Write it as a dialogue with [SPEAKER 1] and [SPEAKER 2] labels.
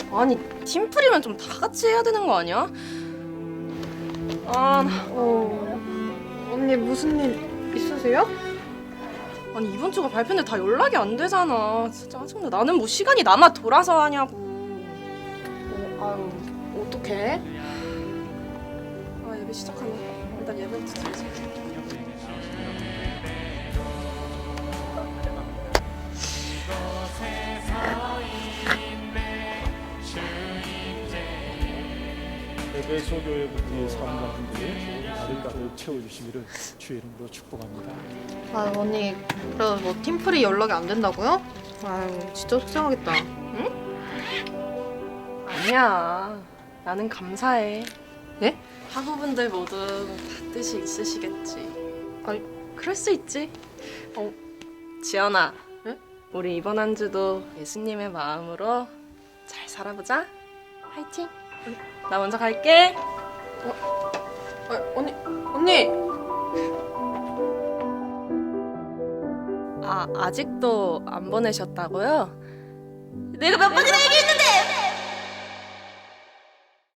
[SPEAKER 1] 아니 팀플이면 좀 다 같이 해야 되는 거 아니야?
[SPEAKER 2] 언니 무슨 일 있으세요?
[SPEAKER 1] 아니 이번 주가 발표인데 다 연락이 안 되잖아. 진짜 짜증나. 나는 뭐 시간이 남아 돌아서 하냐고.
[SPEAKER 2] 아유, 어떡해?
[SPEAKER 1] 아 예배 시작하네. 일단 예배부터 드리자.
[SPEAKER 3] 예배소교회 부의 사람분들이 나를 가득 채워주시기를 주의 이름으로 축복합니다.
[SPEAKER 2] 아유, 언니 그래도 뭐 팀플이 연락이 안 된다고요? 아유, 진짜 속상하겠다.
[SPEAKER 1] 아니야. 나는 감사해.
[SPEAKER 2] 네?
[SPEAKER 1] 학우분들 모두 다 뜻이 있으시겠지.
[SPEAKER 2] 아니,
[SPEAKER 1] 그럴 수 있지. 지연아.
[SPEAKER 2] 네?
[SPEAKER 1] 우리 이번 한 주도 예수님의 마음으로 잘 살아보자. 화이팅. 나 먼저 갈게.
[SPEAKER 2] 언니!
[SPEAKER 1] 아직도 안 보내셨다고요? 내가 몇 번이나 얘기했는데!